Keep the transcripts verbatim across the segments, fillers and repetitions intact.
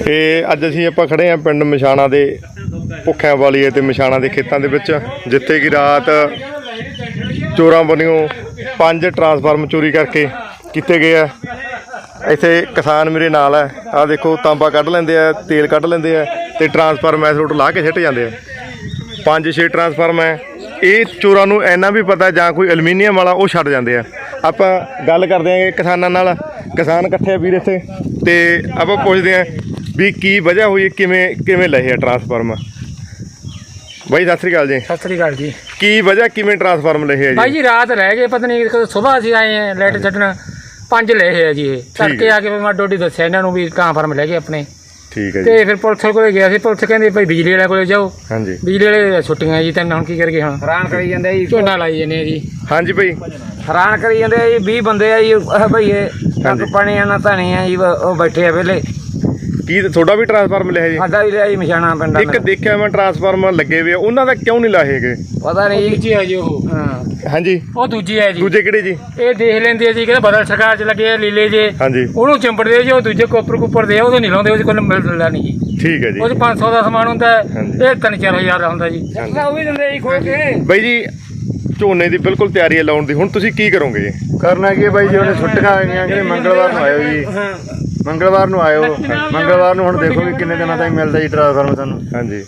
ਇਹ ਅੱਜ ਅਸੀਂ ਆਪਾਂ ਖੜੇ ਹਾਂ ਪਿੰਡ ਮਛਾਣਾ ਦੇ ਭੁੱਖਿਆਂ ਵਾਲੀਏ ਤੇ ਮਛਾਣਾ ਦੇ ਖੇਤਾਂ ਦੇ ਵਿੱਚ, ਜਿੱਥੇ ਕਿ ਰਾਤ ਚੋਰਾਂ ਵੱਲੋਂ ਪੰਜ ਟਰਾਂਸਫਾਰਮ ਚੋਰੀ ਕਰਕੇ ਕੀਤੇ ਗਏ ਆ। ਇੱਥੇ ਕਿਸਾਨ ਮੇਰੇ ਨਾਲ ਹੈ, ਆਹ ਦੇਖੋ ਤਾਂਬਾ ਕੱਢ ਲੈਂਦੇ ਆ, ਤੇਲ ਕੱਢ ਲੈਂਦੇ ਆ ਤੇ ਟਰਾਂਸਫਾਰਮ ਐਸ ਰੋਡ ਲਾ ਕੇ ਸਿੱਟ ਜਾਂਦੇ ਆ। ਪੰਜ ਛੇ ਟਰਾਂਸਫਾਰਮ ਹੈ। ਇਹ ਚੋਰਾਂ ਨੂੰ ਇੰਨਾ ਵੀ ਪਤਾ ਜਾਂ ਕੋਈ ਐਲੂਮੀਨੀਅਮ ਵਾਲਾ ਉਹ ਛੱਡ ਜਾਂਦੇ ਆ। ਆਪਾਂ ਗੱਲ ਕਰਦੇ ਹਾਂ ਕਿਸਾਨਾਂ ਨਾਲ, ਕਿਸਾਨ ਇਕੱਠੇ ਆ ਵੀਰ ਇੱਥੇ, ਤੇ ਆਪਾਂ ਪੁੱਛਦੇ ਹਾਂ ਵੀ ਕੀ ਵਜ੍ਹਾ ਹੋਈ, ਕਿਵੇਂ ਕਿਵੇਂ ਲਏ ਆ ਟਰਾਂਸਫਾਰਮ। ਬਾਈ ਸਤਿ ਸ੍ਰੀ ਅਕਾਲ ਜੀ। ਸਤਿ ਸ੍ਰੀ ਅਕਾਲ ਜੀ। ਕੀ ਵਜ੍ਹਾ ਕਿਵੇਂ ਟਰਾਂਸਫਾਰਮ ਲਏ ਆ ਜੀ? ਬਾਈ ਜੀ ਰਾਤ ਰਹਿ ਗਏ, ਪਤਾ ਨਹੀਂ ਕਦੋਂ ਸਵੇਰ ਅਸੀਂ ਆਏ ਆ ਲਾਈਟ ਛੱਡਣ, ਪੰਜ ਲਏ ਆ ਜੀ। ਇਹ ਤੜਕੇ ਆ ਕੇ ਮੈਂ ਡੋਡੀ ਦੱਸਿਆ ਇਹਨਾਂ ਨੂੰ ਵੀ ਟਰਾਂਸਫਾਰਮ ਲੈ ਗਏ ਆਪਣੇ। ਠੀਕ ਹੈ ਜੀ। ਤੇ ਫਿਰ ਪੁਲਿਸ ਕੋਲੇ ਗਿਆ ਸੀ, ਪੁਲਿਸ ਕਹਿੰਦੇ ਭਾਈ ਬਿਜਲੀ ਵਾਲੇ ਕੋਲੇ ਜਾਓ। ਹਾਂਜੀ ਬਿਜਲੀ ਵਾਲੇ ਛੁੱਟੀਆਂ ਜੀ, ਤੈਨੂੰ ਹੁਣ ਕੀ ਕਰਗੇ, ਹੁਣ ਹੈਰਾਨ ਕਰੀ ਜਾਂਦੇ ਜੀ, ਝੋਨਾ ਲਾਈ ਜਾਂਦੇ ਆ ਜੀ। ਹਾਂਜੀ ਭਾਈ ਹੈਰਾਨ ਕਰੀ ਜਾਂਦੇ ਆ ਜੀ। ਵੀਹ ਬੰਦੇ ਆ ਜੀ ਭਈਏ, ਟੱਕ ਪਾਣੀ ਨਾ ਧਾਣੀ ਆ ਜੀ, ਉਹ ਬੈਠੇ ਆ ਵੇਲੇ। ਕੀ ਤੁਹਾਡਾ ਵੀ ਟਰਾਂਸਫਾਰਮ ਲਿਆ ਜੀ? ਸਾਡਾ ਵੀ ਲਿਆ ਜੀ ਮਛਾਣਾ ਪਿੰਡ। ਇੱਕ ਦੇਖਿਆ ਮੈਂ ਟਰਾਂਸਫਾਰਮ ਲੱਗੇ ਹੋਏ, ਉਹਨਾਂ ਦਾ ਕਿਉਂ ਨਹੀਂ ਲਾਏ ਹੈਗੇ? ਪਤਾ ਨਹੀਂ ਦੂਜੀ ਹੈ ਜੀ ਉਹ। ਹਾਂ ਹਾਂਜੀ ਉਹ ਦੂਜੀ ਹੈ ਜੀ। ਦੂਜੇ ਕਿਹੜੇ ਜੀ? ਇਹ ਦੇਖ ਲੈਂਦੇ ਆ ਜੀ, ਕਹਿੰਦੇ ਬਦਲ ਸਰਕਾਰ ਚ ਲੱਗੇ ਆ ਲੀਲੇ ਜੇ। ਹਾਂਜੀ ਉਹਨੂੰ ਚੰਬੜਦੇ ਜੀ, ਉਹ ਦੂਜੇ ਕੋਪਰ ਕੁੱਪਰ ਦੇ ਉਹਦੇ ਨਹੀਂ ਲਾਉਂਦੇ, ਉਹਦੇ ਕੋਲ ਮਿਲਦਾ ਨਹੀਂ ਜੀ। ਠੀਕ ਹੈ ਜੀ। ਉਹ ਪੰਜ ਸੌ ਦਾ ਸਮਾਨ ਹੁੰਦਾ, ਇਹ ਤਿੰਨ ਚਾਰ ਹਜ਼ਾਰ ਦਾ ਹੁੰਦਾ ਜੀ। ਉਹ ਵੀ ਦਿੰਦੇ ਜੀ ਖੋਲ ਕੇ। ਬਾਈ ਜੀ ਝੋਨੇ ਦੀ ਬਿਲਕੁਲ ਤਿਆਰੀ ਹੈ ਲਾਉਣ ਦੀ, ਹੁਣ ਤੁਸੀਂ ਕੀ ਕਰੋਗੇ ਜੀ? ਕਰਨਾ ਕੀ ਬਾਈ ਜੀ, ਉਹਨੇ ਛੁੱਟੀਆਂ ਆ ਗਈਆਂ ਕਿ ਮੰਗਲਵਾਰ ਨੂੰ ਆਇਓ ਜੀ, ਮੰਗਲਵਾਰ ਨੂੰ ਆਇਓ। ਮੰਗਲਵਾਰ ਨੂੰ ਹੁਣ ਦੇਖੋ ਵੀ ਕਿੰਨੇ ਦਿਨਾਂ ਤੱਕ ਮਿਲਦਾ ਜੀ ਟਰਾਂਸਫਾਰਮ ਸਾਨੂੰ। ਹਾਂਜੀ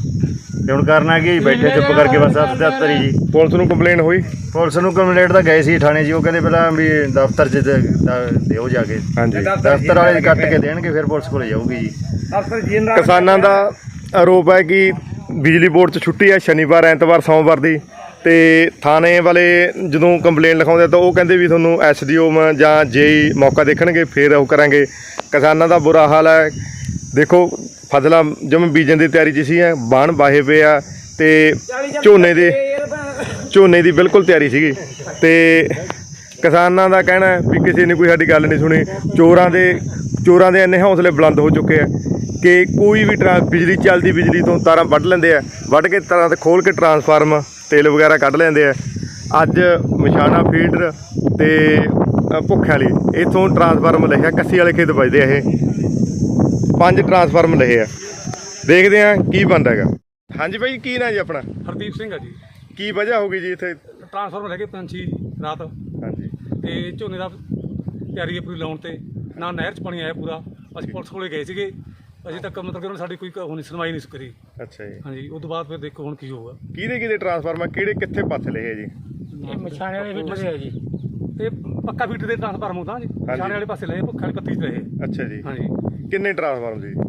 ਤੇ ਹੁਣ ਕਰਨਾ ਕੀ, ਬੈਠੇ ਚੁੱਪ ਕਰਕੇ ਬਸ ਸਤੱਤਰ ਹੀ ਜੀ। ਪੁਲਿਸ ਨੂੰ ਕੰਪਲੇਨ ਹੋਈ? ਪੁਲਿਸ ਨੂੰ ਕੰਪਲੇਂਟ ਤਾਂ ਗਏ ਸੀ ਥਾਣੇ ਜੀ, ਉਹ ਕਹਿੰਦੇ ਪਹਿਲਾਂ ਵੀ ਦਫ਼ਤਰ 'ਚ ਦਿਓ ਜਾ ਕੇ। ਹਾਂਜੀ ਦਫ਼ਤਰ ਵਾਲੇ ਕੱਟ ਕੇ ਦੇਣਗੇ, ਫਿਰ ਪੁਲਿਸ ਕੋਲ ਜਾਊਗੀ ਜੀ। ਕਿਸਾਨਾਂ ਦਾ ਆਰੋਪ ਹੈ ਕਿ ਬਿਜਲੀ ਬੋਰਡ 'ਚ ਛੁੱਟੀ ਹੈ ਸ਼ਨੀਵਾਰ, ਐਤਵਾਰ, ਸੋਮਵਾਰ ਦੀ, ਤੇ ਥਾਣੇ ਵਾਲੇ ਜਦੋਂ ਕੰਪਲੇਨ ਲਿਖਾਉਂਦੇ ਤਾਂ ਉਹ ਕਹਿੰਦੇ ਵੀ ਤੁਹਾਨੂੰ ਐਸ ਡੀ ਓ ਜਾਂ ਜੇਈ ਮੌਕਾ ਦੇਖਣਗੇ, ਫਿਰ ਉਹ ਕਰਾਂਗੇ। ਕਿਸਾਨਾਂ ਦਾ ਬੁਰਾ ਹਾਲ ਹੈ। ਦੇਖੋ ਫਸਲਾਂ ਜਿਵੇਂ ਬੀਜਣ ਦੀ ਤਿਆਰੀ 'ਚ ਸੀ, ਬਾਣ ਵਾਹੇ ਪਏ ਆ ਤੇ ਝੋਨੇ ਦੇ ਝੋਨੇ ਦੀ ਬਿਲਕੁਲ ਤਿਆਰੀ ਸੀਗੀ, ਤੇ ਕਿਸਾਨਾਂ ਦਾ ਕਹਿਣਾ ਵੀ ਕਿਸੇ ਨੇ ਕੋਈ ਸਾਡੀ ਗੱਲ ਨਹੀਂ ਸੁਣੀ। ਚੋਰਾਂ ਦੇ ਚੋਰਾਂ ਦੇ ਇੰਨੇ ਹੌਸਲੇ ਬੁਲੰਦ ਹੋ ਚੁੱਕੇ ਆ ਕਿ ਕੋਈ ਵੀ ਟਰਾਂ ਬਿਜਲੀ ਚੱਲਦੀ ਬਿਜਲੀ ਤੋਂ ਤਾਰਾਂ ਵੱਢ ਲੈਂਦੇ ਆ, ਵੱਢ ਕੇ ਤਾਰਾਂ ਤੇ ਖੋਲ੍ਹ ਕੇ ਟਰਾਂਸਫਾਰਮ ਤੇਲ ਵਗੈਰਾ ਕੱਢ ਲੈਂਦੇ ਆ। ਅੱਜ ਮਛਾਣਾ ਫੀਡਰ ਤੇ ਭੁੱਖਿਆਂ ਵਾਲੀ ਇੱਥੋਂ ਟਰਾਂਸਫਾਰਮ ਲਿਖਿਆ, ਕੱਸੀ ਵਾਲੇ ਖੇਤ ਵੱਜਦੇ ਆ। ਇਹ ਪੰਜ ਟਰਾਂਸਫਾਰਮ ਲਏ ਆ, ਦੇਖਦੇ ਆ ਕੀ ਬਣਦਾ ਹੈਗਾ। ਹਾਂਜੀ ਭਾਈ ਕੀ ਨਾਂ ਜੀ ਆਪਣਾ? ਹਰਦੀਪ ਸਿੰਘ ਆ ਜੀ। ਕੀ ਵਜ੍ਹਾ ਹੋ ਗਈ ਜੀ ਇੱਥੇ ਟਰਾਂਸਫਾਰਮਰ ਲੈ ਕੇ ਪੰਛੀ ਰਾਤ? ਹਾਂਜੀ ਤੇ ਝੋਨੇ ਦਾ ਤਿਆਰੀ ਹੈ ਪੂਰੀ ਲਾਉਣ ਤੇ, ਨਾ ਨਹਿਰ 'ਚ ਪਾਣੀ ਆਇਆ ਪੂਰਾ। ਅਸੀਂ ਪੁਲਿਸ ਕੋਲੇ ਗਏ ਸੀਗੇ, ਅਜੇ ਤੱਕ ਮਤਲਬ ਕਿ ਉਹਨਾਂ ਸਾਡੀ ਕੋਈ ਹੋਣੀ ਸੁਣਵਾਈ ਨਹੀਂ ਕਰੀ। ਅੱਛਾ ਜੀ। ਹਾਂਜੀ ਉਸ ਤੋਂ ਬਾਅਦ ਫਿਰ ਦੇਖੋ ਹੁਣ ਕੀ ਹੋਊਗਾ। ਕਿਹਦੇ ਕਿਹਦੇ ਟਰਾਂਸਫਾਰਮਰ ਕਿਹੜੇ ਕਿੱਥੇ ਪਾਸੇ ਲਏ ਆ ਜੀ? ਇਹ ਮਛਾਣੇ ਵਾਲੇ ਫੀਡਰ ਹੈ ਜੀ। ਤੇ ਪੱਕਾ ਫੀਡਰ ਦੇ ਟਰਾਂਸਫਾਰਮ ਹੁੰਦਾ ਜੀ, ਛਾਣੇ ਵਾਲੇ ਪਾਸੇ ਲਏ, ਭੁੱਖੇ ਵਾਲੇ ਪੱਤੀ 'ਚ ਰਹੇ। ਅੱਛਾ ਜੀ। ਹਾਂਜੀ ਕਿੰਨੇ ਟਰਾਂਸਫਾਰਮ ਜੀ?